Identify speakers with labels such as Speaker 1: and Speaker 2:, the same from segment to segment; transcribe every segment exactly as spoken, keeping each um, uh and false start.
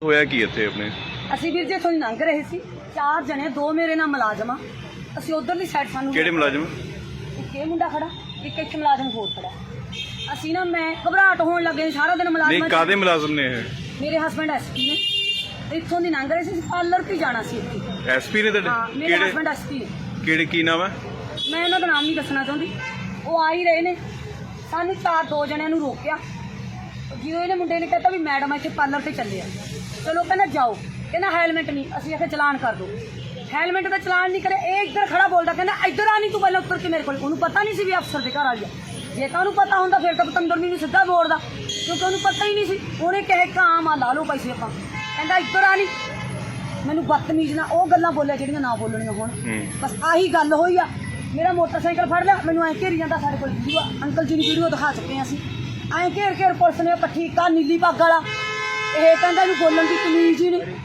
Speaker 1: ਹੋਇਆ ਕੀ ਇੱਥੇ ਆਪਣੇ?
Speaker 2: ਅਸੀਂ ਵੀਰ ਜੀ ਇੱਥੋਂ ਦੀ ਲੰਘ ਰਹੇ ਸੀ, ਚਾਰ ਜਣੇ, ਦੋ ਮੇਰੇ ਨਾਲ ਮੁਲਾਜ਼ਮ ਆ। ਅਸੀਂ ਉਧਰਲੀ ਸਾਈਡ ਸਾਨੂੰ
Speaker 1: ਕਿਹੜੇ ਮੁਲਾਜ਼ਮ?
Speaker 2: ਇੱਕ ਇਹ ਮੁੰਡਾ ਖੜਾ, ਇੱਕ ਇੱਥੇ ਮੁਲਾਜ਼ਮ ਹੋਰ ਖੜਾ। ਅਸੀਂ ਨਾ ਮੈਂ ਘਬਰਾਹਟ ਹੋਣ ਲੱਗੇ, ਸਾਰਾ ਦਿਨ ਮੁਲਾਜ਼ਮ।
Speaker 1: ਨਹੀਂ, ਕਾਦੇ ਮੁਲਾਜ਼ਮ ਨੇ ਇਹ?
Speaker 2: ਮੇਰੇ ਹਸਬੈਂਡ ਐਸਪੀ ਨੇ। ਇੱਥੋਂ ਦੀ ਲੰਘ ਰਹੇ ਸੀ, ਪਾਰਲਰ ਤੇ ਜਾਣਾ ਸੀ ਇੱਥੇ।
Speaker 1: ਐਸਪੀ ਨੇ ਤੁਹਾਡੇ?
Speaker 2: ਹਾਂ, ਮੇਰੇ ਹਸਬੈਂਡ ਐਸਪੀ ਨੇ।
Speaker 1: ਕਿਹੜੇ, ਕੀ ਨਾਮ ਹੈ?
Speaker 2: ਮੈਂ ਉਹਨਾਂ ਦਾ ਨਾਮ ਨਹੀਂ ਦੱਸਣਾ ਚਾਹੁੰਦੀ। ਉਹ ਆ ਹੀ ਰਹੇ ਨੇ, ਸਾਨੂੰ ਚਾਰ ਦੋ ਜਣਿਆਂ ਨੂੰ ਰੋਕਿਆ। ਜਿਉਂ ਇਹਨੇ ਮੁੰਡੇ ਨੇ ਕਹਿਤਾ ਵੀ ਮੈਡਮ ਇੱਥੇ ਪਾਰਲਰ ਤੇ ਚੱਲੇ ਆ, ਚਲੋ ਕਹਿੰਦਾ ਜਾਓ। ਕਹਿੰਦਾ ਹੈਲਮਟ ਨਹੀਂ, ਅਸੀਂ ਆਖਿਆ ਚਲਾਨ ਕਰ ਦੋ। ਹੈਲਮਟ ਦਾ ਚਲਾਨ ਨਹੀਂ ਕਰੇ, ਇਹ ਇੱਧਰ ਖੜਾ ਬੋਲਦਾ, ਕਹਿੰਦਾ ਇੱਧਰ ਆ ਨਹੀਂ ਤੂੰ ਪਹਿਲਾਂ ਉੱਤਰ ਕੇ ਮੇਰੇ ਕੋਲ। ਉਹਨੂੰ ਪਤਾ ਨਹੀਂ ਸੀ ਵੀ ਅਫਸਰ ਦੇ ਘਰ ਆ ਗਿਆ। ਜੇ ਤਾਂ ਉਹਨੂੰ ਪਤਾ ਹੁੰਦਾ ਫਿਰ ਤਾਂ ਪਤੰਦਰ ਨੂੰ ਸਿੱਧਾ ਬੋਲਦਾ, ਕਿਉਂਕਿ ਉਹਨੂੰ ਪਤਾ ਹੀ ਨਹੀਂ ਸੀ। ਉਹਨੇ ਕਹੇ ਕਾਮ ਆ, ਲਾ ਲਓ ਪੈਸੇ ਆਪਾਂ। ਕਹਿੰਦਾ ਇੱਧਰ ਆ ਨਹੀਂ, ਮੈਨੂੰ ਬਦਤਮੀਜ਼ ਨਾ ਉਹ ਗੱਲਾਂ ਬੋਲਿਆ ਜਿਹੜੀਆਂ ਨਾ ਬੋਲਣੀਆਂ ਹੁਣ। ਬਸ ਆਹੀ ਗੱਲ ਹੋਈ ਆ। ਮੇਰਾ ਮੋਟਰਸਾਈਕਲ ਫੜ ਲਿਆ, ਮੈਨੂੰ ਐਂ ਘੇਰੀ ਜਾਂਦਾ। ਸਾਡੇ ਕੋਲ ਵੀਡੀਓ ਅੰਕਲ ਜੀ ਨੂੰ ਵੀਡੀਓ ਦਿਖਾ ਚੁੱਕੇ ਹਾਂ ਅਸੀਂ। ਐਂ ਘੇਰ ਘੇਰ ਪੁਲਿਸ ਨੇ ਪੱਠੀ ਕਾ ਨੀਲੀ ਪੱਗ ਵਾਲਾ, ਇਹ ਕਹਿੰਦਾ ਇਹਨੂੰ ਬੋਲਣ ਦੀ ਤਮੀਜ਼ ਹੀ ਨਹੀਂ।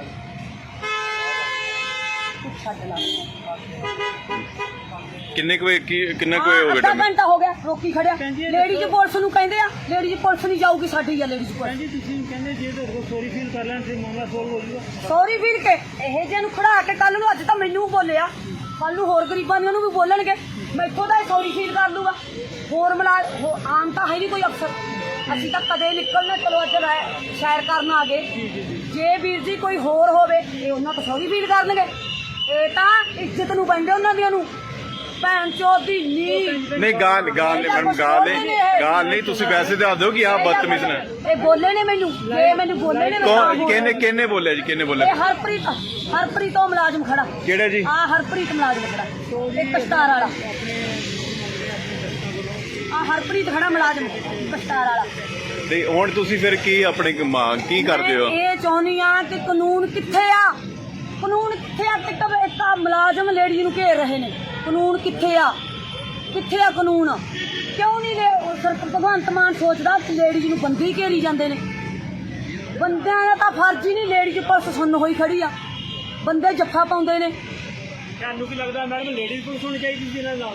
Speaker 2: ਛੱਡ ਲਾ।
Speaker 1: ਕਿੰਨੇ ਕੁ ਵਜੇ ਕਿੰਨਾ ਕੁ ਹੋ ਗਿਆ?
Speaker 2: ਅੱਧਾ ਘੰਟਾ ਹੋ ਗਿਆ ਰੋਕੀ ਖੜਿਆ। ਲੇਡੀਜ਼ ਪੁਲਿਸ ਨੂੰ ਕਹਿੰਦੇ ਆ, ਲੇਡੀਜ਼ ਪੁਲਿਸ ਨਹੀਂ ਜਾਊਗੀ, ਸਾਡੀ ਆ ਲੇਡੀਜ਼ ਪੁਲਿਸ।
Speaker 3: ਜੀ ਤੁਸੀਂ ਕਹਿੰਦੇ ਜੇ ਤੁਹਾਡੇ ਕੋਲ ਸੌਰੀ ਫੀਲ ਕਰ ਲੈਣ ਤੇ ਮਾਮਲਾ ਸੋਲਵ ਹੋ ਜੂਗਾ।
Speaker 2: ਸੌਰੀ ਫੀਲ ਕੇ ਇਹ ਜਿਹੇ ਨੂੰ ਖੜਾ ਕੇ ਕੱਲ ਨੂੰ, ਅੱਜ ਤਾਂ ਮੈਨੂੰ ਬੋਲਿਆ, ਕੱਲ ਨੂੰ ਹੋਰ ਗਰੀਬਾਂ ਨੂੰ ਵੀ ਬੋਲਣਗੇ। ਮੈਥੋਂ ਤਾਂ ਸੌਰੀ ਫੀਲ ਕਰ ਲੂਗਾ। ਹੋਰ ਮਿਲਾ ਆਮ ਤਾਂ ਹੈ ਨਹੀਂ ਕੋਈ ਅਫਸਰ। ਅਸੀਂ ਤਾਂ ਕਦੇ ਨਿਕਲਣਾ, ਚਲੋ ਅੱਜ ਸੈਰ ਕਰਨ ਆ ਗਏ। ਜੇ ਵੀਰ ਜੀ ਕੋਈ ਹੋਰ ਹੋਵੇ ਇਹ ਉਹਨਾਂ ਤੋਂ ਸੌਰੀ ਫੀਲ ਕਰਨਗੇ। ਇਹ ਤਾਂ ਇੱਜ਼ਤ ਨੂੰ ਪੈਂਦੇ ਉਹਨਾਂ ਦੀਆਂ ਨੂੰ। ਭੈਣ ਚੋਦ ਦੀ ਨੀ
Speaker 1: ਨਹੀਂ, ਗਾਲ ਗਾਲ ਨਹੀਂ ਮੈਡਮ, ਗਾਲ ਨਹੀਂ, ਗਾਲ ਨਹੀਂ। ਤੁਸੀਂ ਵੈਸੇ ਦੱਸ ਦਿਓ ਕਿ ਆਪ ਬਦਤਮੀਜ਼ ਨੇ।
Speaker 2: ਇਹ ਬੋਲੇ ਨੇ ਮੈਨੂੰ, ਇਹ ਮੈਨੂੰ ਬੋਲੇ ਨੇ।
Speaker 1: ਕੌਣ, ਕਿਹਨੇ ਕਿਹਨੇ ਬੋਲਿਆ ਜੀ? ਕਿਹਨੇ ਬੋਲਿਆ?
Speaker 2: ਇਹ ਹਰਪ੍ਰੀਤ, ਹਰਪ੍ਰੀਤ ਉਹ ਮੁਲਾਜ਼ਮ ਖੜਾ।
Speaker 1: ਕਿਹੜਾ ਜੀ?
Speaker 2: ਆ ਹਰਪ੍ਰੀਤ ਮੁਲਾਜ਼ਮ ਖੜਾ, ਇੱਕ ਕਸ਼ਤਾਰ ਵਾਲਾ। ਆ ਹਰਪ੍ਰੀਤ ਖੜਾ ਮੁਲਾਜ਼ਮ ਕਸ਼ਤਾਰ ਵਾਲਾ।
Speaker 1: ਤੇ ਹੁਣ ਤੁਸੀਂ ਫਿਰ ਕੀ ਆਪਣੀ ਮੰਗ ਕੀ ਕਰਦੇ ਹੋ?
Speaker 2: ਇਹ ਚਾਹੁੰਦੀ ਆ ਕਿ ਕਾਨੂੰਨ ਕਿੱਥੇ ਆ? ਕਾਨੂੰਨ ਕਿੱਥੇ ਆ? ਕਿ ਕਬ ਇੱਕ ਮੁਲਾਜ਼ਮ ਲੇਡੀ ਨੂੰ ਘੇਰ ਰਹੇ ਨੇ, ਕਾਨੂੰਨ ਕਿੱਥੇ ਆ? ਕਿੱਥੇ ਆ ਕਾਨੂੰਨ? ਕਿਉਂ ਨਹੀਂ ਸਰ ਭਗਵੰਤ ਮਾਨ ਸੋਚਦਾ ਕਿ ਲੇਡੀਜ਼ ਨੂੰ ਬੰਦੀ ਘੇਰੀ ਜਾਂਦੇ ਨੇ? ਬੰਦਿਆਂ ਦਾ ਤਾਂ ਫਰਜ਼ ਹੀ ਨਹੀਂ, ਲੇਡੀਜ਼ ਪੁਲਿਸ ਸੁੰਨ ਹੋਈ ਖੜੀ ਆ, ਬੰਦੇ ਜੱਫਾ ਪਾਉਂਦੇ ਨੇ।
Speaker 3: ਤੁਹਾਨੂੰ ਕੀ ਲੱਗਦਾ ਮੈਡਮ ਲੇਡੀਜ਼ ਪੁਲਿਸ ਹੋਣੀ ਚਾਹੀਦੀ ਸੀ ਇਹਨਾਂ ਨਾਲ?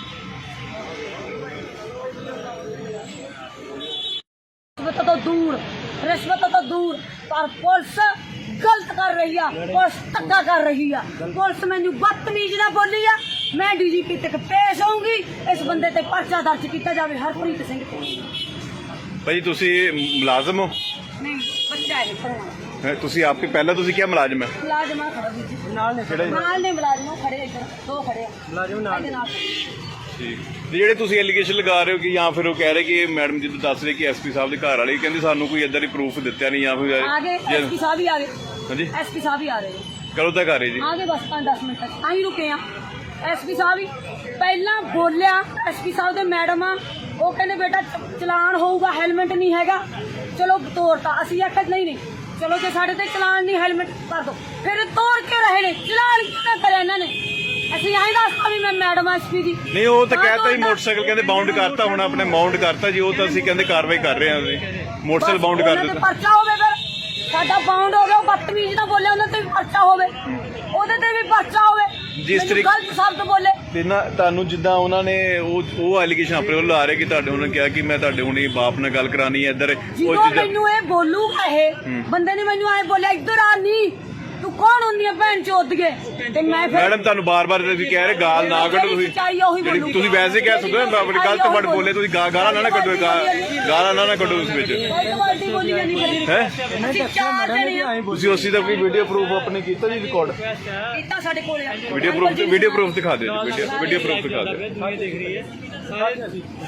Speaker 2: ਰਿਸ਼ਵਤ ਤੋਂ ਦੂਰ, ਰਿਸ਼ਵਤ ਤੋਂ ਦੂਰ, ਪਰ ਪੁਲਿਸ ਗਲਤ ਕਰ ਰਹੀ ਆ, ਪੁਲਿਸ ਧੱਕਾ ਕਰ ਰਹੀ ਆ। ਪੁਲਿਸ ਮੈਨੂੰ ਬਦਤਮੀਜ਼ ਨਾ ਬੋਲੀ ਆ। ਮੈਂ ਡੀਜੀਪੀ ਤੱਕ ਪੇਸ਼ ਹੋਊਂਗੀ, ਇਸ ਬੰਦੇ ਤੇ ਪਰਚਾ ਦਰਜ ਕੀਤਾ ਜਾਵੇ, ਹਰਪ੍ਰੀਤ ਸਿੰਘ ਤੇ।
Speaker 1: ਭਾਈ ਤੁਸੀਂ ਮੁਲਾਜ਼ਮ ਹੋ?
Speaker 2: ਨਹੀਂ, ਬੱਚਾ ਹੈ ਪੜਾਉਣਾ।
Speaker 1: ਹੈਂ, ਤੁਸੀਂ ਆਪਕੇ ਪਹਿਲਾਂ ਤੁਸੀਂ ਕਿਹਾ ਮੁਲਾਜ਼ਮ ਹੈ?
Speaker 2: ਮੁਲਾਜ਼ਮ ਆ ਖੜਾ ਵੀਰ ਜੀ,
Speaker 3: ਨਾਲ ਨੇ
Speaker 1: ਕਿਹੜਾ ਜੀ?
Speaker 2: ਨਾਲ ਨੇ ਮੁਲਾਜ਼ਮ ਖੜੇ, ਇੱਧਰ ਦੋ ਖੜੇ ਆ
Speaker 3: ਮੁਲਾਜ਼ਮ ਨਾਲ।
Speaker 2: ਇਹਦੇ ਨਾਲ।
Speaker 1: ਠੀਕ। ਤੇ ਜਿਹੜੇ ਤੁਸੀਂ ਐਲੀਗੇਸ਼ਨ ਲਗਾ ਰਹੇ ਹੋ ਕਿ ਜਾਂ ਫਿਰ ਉਹ ਕਹਿ ਰਹੇ ਕਿ ਮੈਡਮ ਜੀ ਦੱਸ ਰਹੇ ਕਿ ਐਸਪੀ ਸਾਹਿਬ ਦੇ ਘਰ ਵਾਲੇ ਕਹਿੰਦੇ ਸਾਨੂੰ ਕੋਈ ਏਦਾਂ ਦੀ ਪ੍ਰੂਫ ਦਿੱਤਾ ਨਹੀਂ, ਜਾਂ ਫਿਰ
Speaker 2: ਆ ਗਏ ਐਸਪੀ ਸਾਹਿਬ ਹੀ ਆ ਗਏ।
Speaker 1: ਹਾਂਜੀ,
Speaker 2: ਐਸਪੀ ਸਾਹਿਬ ਹੀ ਆ ਰਹੇ ਨੇ।
Speaker 1: ਕਦੋਂ ਤੱਕ ਆ ਰਹੇ ਜੀ?
Speaker 2: ਆ ਗਏ ਬਸ ਪੰਜ ਦਸ ਮਿੰਟ ਤੱਕ। ਆਹੀ ਰੁਕੇ ਆ। ਐਸਪੀ ਸਾਹਿਬ ਹੀ ਪਹਿਲਾਂ ਬੋਲਿਆ, ਐਸਪੀ ਸਾਹਿਬ ਦੇ ਮੈਡਮ ਆ, ਉਹ ਕਹਿੰਦੇ ਬੇਟਾ ਚਲਾਨ ਹੋਊਗਾ, ਹੈਲਮਟ ਨਹੀਂ ਹੈਗਾ। ਚਲੋ ਤੋਰਤਾ। ਅਸੀਂ ਆਖਿਆ ਨਹੀਂ ਨਹੀਂ, ਚਲੋ ਜੇ ਸਾਡੇ ਤੇ ਚਲਾਨ ਨਹੀਂ, ਹੈਲਮਟ ਕਰ ਦੋ। ਫਿਰ ਤੋੜ ਕੇ ਰਹੇ ਨੇ, ਚਲਾਨ ਕਿਉਂ ਨਾ ਕਰਿਆ ਇਹਨਾਂ ਨੇ? ਅਸੀਂ ਆਹੀ ਦੱਸਤਾ ਵੀ ਮੈਂ ਮੈਡਮ ਐਸਪੀ ਦੀ।
Speaker 1: ਨਹੀਂ, ਉਹ ਤਾਂ ਕਹਿਤਾ ਜੀ ਮੋਟਰਸਾਈਕਲ ਕਹਿੰਦੇ ਬਾਉਂਡ ਕਰਤਾ, ਹੁਣ ਆਪਣੇ ਮਾਉਂਟ ਕਰਤਾ ਜੀ। ਉਹ ਤਾਂ ਅਸੀਂ ਕਹਿੰਦੇ ਕਾਰਵਾਈ ਕਰ ਰਹੇ ਹਾਂ, ਅਸੀਂ ਮੋਟਰਸਾਈਕਲ ਬਾਉਂਡ ਕਰ ਦਿੱਤਾ।
Speaker 2: ਪਰਚਾ ਹੋਵੇ ਫਿਰ, ਸਾਡਾ ਬਾਉਂਡ ਹੋ ਗਿਆ। ਉਹ ਬਦਤਮੀਜ਼ ਨਾ ਬੋਲੇ, ਉਹਨਾਂ ਤੇ ਵੀ ਪਰਚਾ ਹੋਵੇ, ਉਹਦੇ ਤੇ ਵੀ ਪਰਚਾ ਹੋਵੇ।
Speaker 1: ਜਿਸ ਤਰੀਕੇ
Speaker 2: ਗਲਤ ਸ਼ਬਦ ਬੋਲੇ
Speaker 1: ਤੇ ਨਾ ਤੁਹਾਨੂੰ ਜਿੱਦਾਂ ਉਹਨਾਂ ਨੇ ਉਹ ਉਹ ਐਲੀਗੇਸ਼ਨ ਆਪਣੇ ਵੱਲ ਲਾ ਰਹੇ ਕਿ ਤੁਹਾਡੇ ਉਹਨਾਂ ਨੇ ਕਿਹਾ ਕਿ ਮੈਂ ਤੁਹਾਡੇ ਹੁਣੇ ਬਾਪ ਨਾਲ ਗੱਲ ਕਰਾਣੀ ਹੈ ਇੱਧਰ।
Speaker 2: ਜਦੋਂ ਮੈਨੂੰ ਇਹ ਬੋਲੂਗਾ, ਇਹ ਬੰਦੇ ਨੇ ਮੈਨੂੰ ਐ ਬੋਲਿਆ ਇੱਧਰ ਆ ਨਹੀਂ, ਤੂੰ ਕੌਣ ਹੁੰਦੀ ਆ ਭੈਣ ਚੋਦ ਕੇ? ਤੇ ਮੈਂ ਫਿਰ
Speaker 1: ਮੈਡਮ ਤੁਹਾਨੂੰ ਬਾਰ-ਬਾਰ ਤੁਸੀਂ ਕਹਿ ਰਹੇ ਗਾਲ ਨਾ ਕੱਢੋ। ਤੁਸੀਂ ਜਿਹੜੀ ਤੁਸੀਂ ਵੈਸੇ ਕਹਿ ਸਕਦੇ ਹੋ ਆਪਣੀ ਗਲਤ ਵਰਡ ਬੋਲੇ, ਤੁਸੀਂ ਗਾ- ਗਾਲਾਂ ਨਾ ਨਾ ਕੱਢੋ, ਗਾਲਾਂ ਨਾ ਨਾ ਕੱਢੋ ਉਸ ਵਿੱਚ। ਹੈ ਤੁਸੀਂ ਉਸੇ ਦਾ ਕੋਈ ਵੀਡੀਓ ਪ੍ਰੂਫ ਆਪਣੇ ਕੀਤਾ ਜੀ ਰਿਕਾਰਡ?
Speaker 2: ਕੀਤਾ ਸਾਡੇ ਕੋਲ ਆ।
Speaker 1: ਵੀਡੀਓ ਪ੍ਰੂਫ ਵੀਡੀਓ ਪ੍ਰੂਫ ਦਿਖਾ ਦਿਓ ਜੀ, ਵੀਡੀਓ ਵੀਡੀਓ ਪ੍ਰੂਫ ਦਿਖਾ ਦਿਓ।
Speaker 3: ਦੇਖ ਰਹੀ ਹੈ ਸਾਰੇ